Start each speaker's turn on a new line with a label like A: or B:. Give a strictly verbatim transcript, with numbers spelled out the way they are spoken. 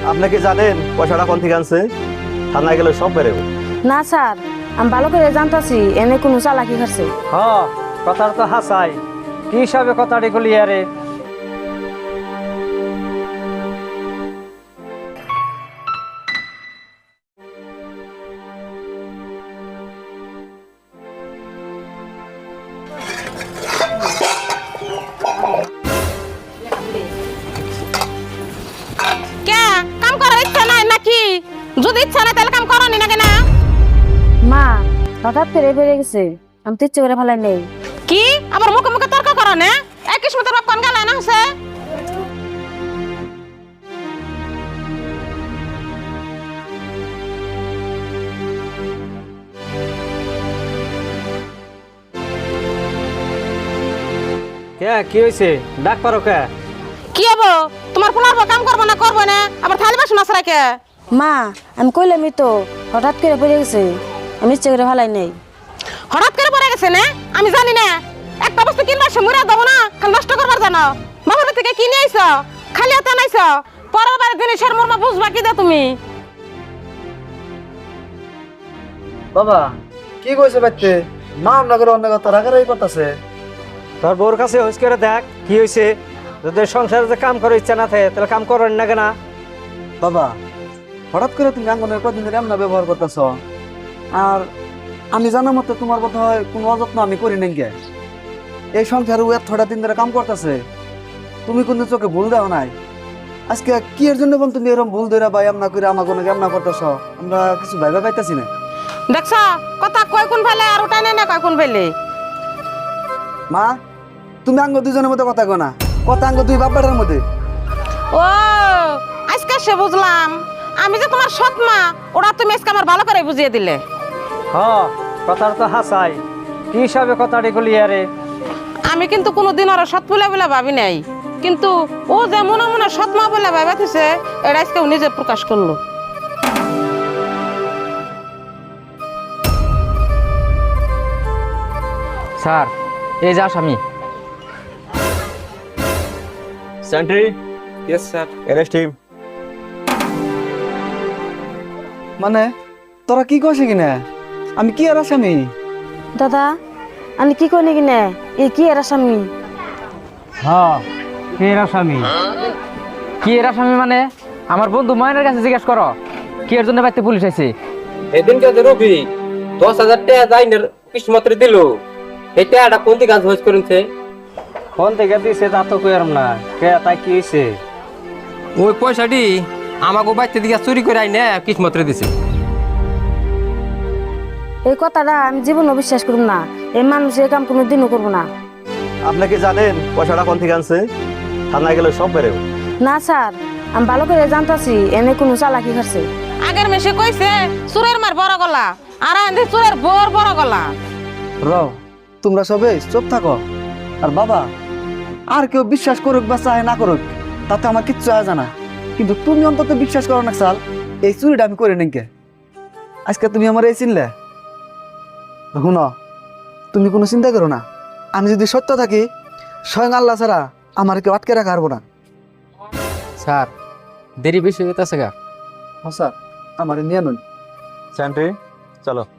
A: আপনি কি জানেন পয়সাটা কোন থেকে আনছে? থানায় গেলে সব বেরোবে।
B: না স্যার, আমি ভালো করে জানতাছি এনে কোনো চালাকি করছে।
C: হ কথাটা তো হাসাই, কি হিসাবে কথাটি বলি আরে।
D: কে কাম করার ইচ্ছা নাই নাকি? যদি ইচ্ছা নাই তাহলে কাম করনি না কেন?
B: মা হঠাৎ করে বেড়ে গেছে, আমি তো ইচ্ছে করে ফেলাই নেই।
D: কি আবার মুখে মুখে তর্ক করো না? এক কিসমতের বাপ কোন গালে না হচ্ছে?
C: কে কি হয়েছে? ডাক পারো কে?
D: কি হবো? তোমার পোলার কাম করবো না করবো না আবার থালি বাসন আছে রাখে।
B: মা আমি কইলামই তো হঠাৎ করে বেড়ে গেছে, আমি ইচ্ছে করে ফেলাই নেই।
D: হঠাৎ করে পড়ে গেছে না? আমি জানি না। একটা বস্তু কিনবার সময় দেবো না, খালি নষ্ট করবার জানো। বাবার থেকে কিনে আইছ, খালি হাতে আনাইছ, পরের বার জিনিসের মর্ম বুঝবা কি দে তুমি?
E: বাবা কি কইছে বাইতে? মা আমরা করে অন্য কথা রাগারাগি করতেছে।
C: তোর বউর কাছে হুঁশ করে দেখ কি হয়েছে। যদি সংসারে যে কাম করার ইচ্ছা না থাকে তাহলে কাম করেন না কেনা?
E: বাবা হঠাৎ করে তুমি আঙ্গনের কদিন ধরে এমন ব্যবহার করতেছ, আর আমি জানা মতো তোমার কথা হয় কোনো অযত্ন আমি করি নাই গে। এই সংসারে ও এতটা দিন ধরে কাম করতেছে, তুমি কোনো চোখে ভুল দাও নাই। আজকে কি এর জন্য বল তুমি এরকম ভুল ধরে বা এমনা করে আমার কোনো এমনা করতেছ? আমরা কিছু ভাইবা পাইতেছি না।
D: দেখছ কথা কয় কোন ফেলে আর ওটা নেই না কয় কোন ফেলে।
E: মা তুমি আঙ্গ দুজনের মধ্যে কথা কো না, কথা আঙ্গ দুই বাপ বেটার মধ্যে।
D: ও আজকে সে বুঝলাম, আমি যে তোমার সৎ মা ওরা তুমি আজকে আমার ভালো করে বুঝিয়ে দিলে।
C: হ কথাটা তো হাসাই, কি হিসাবে কথাটি বলি আরে।
D: আমি কিন্তু কোনোদিন ওরা সৎ বলে বলে ভাবি নাই, কিন্তু ও যে মনে মনে সৎ মা বলে ভাবাতেছে এটা আজকে ও নিজে প্রকাশ করলো।
F: স্যার এই যে আসামি।
A: Sentry,
F: yes sir.
A: Arrest him.
E: মানে তোরা কি কইছে কিনা? আমি কি আর আসামি?
B: দাদা আমি কি কই নাকি না, এই কি এর আসামি?
C: হ্যাঁ কে আসামি?
F: কি এর আসামি মানে? আমার বন্ধু ময়নের কাছে জিজ্ঞেস করো কি এর জন্য বাইতে পুলিশ আইছে।
G: এদিন কে রবি দশ হাজার টাকা যাইনের কিসমত্রে দিল, এই টাকাটা কোন দিকে কাজ করেছে?
C: ফোন থেকে দিছে তা তো কইরাম না। কে তাই কি হয়েছে?
G: ওই পয়সাটি আমাকে বাইতে দিকে চুরি করে আইনে কিসমত্রে দিছে।
B: এই কথাটা আমি জীবনও বিশ্বাস করব না, এই মানুষ এই কাম কোনো দিনও করবো না।
A: আপনি কি জানেন পয়সাটা কোন থেকে আনছে? থানায় গেলে সব বেরোবে।
B: না স্যার, আমি ভালো করে জানতাছি এনে কোনো চালাকি করছে।
D: আগের মেশে কইছে চুরের মার বড় গলা, আর আন্ধে চুরের বোর বড় গলা।
E: রও তোমরা সবে চুপ থাকো। আর বাবা আর কেউ বিশ্বাস করুক বা চাহে না করুক তাতে আমার কিচ্ছু আয় জানা, কিন্তু তুমি অন্তত বিশ্বাস করো না সাল এই চুরিটা আমি করে নিকে। আজকে তুমি আমার এই চিনলে শুনো, তুমি কোনো চিন্তা করো না। আমি যদি সত্য থাকি স্বয়ং আল্লাহ ছাড়া আমার কেউ আটকে রাখা পারবো না।
F: স্যার দেরি বেশি হইতাছে গা।
E: হ্যাঁ স্যার, আমার নিয়ে নুন।
A: সেন্ট্রি চলো।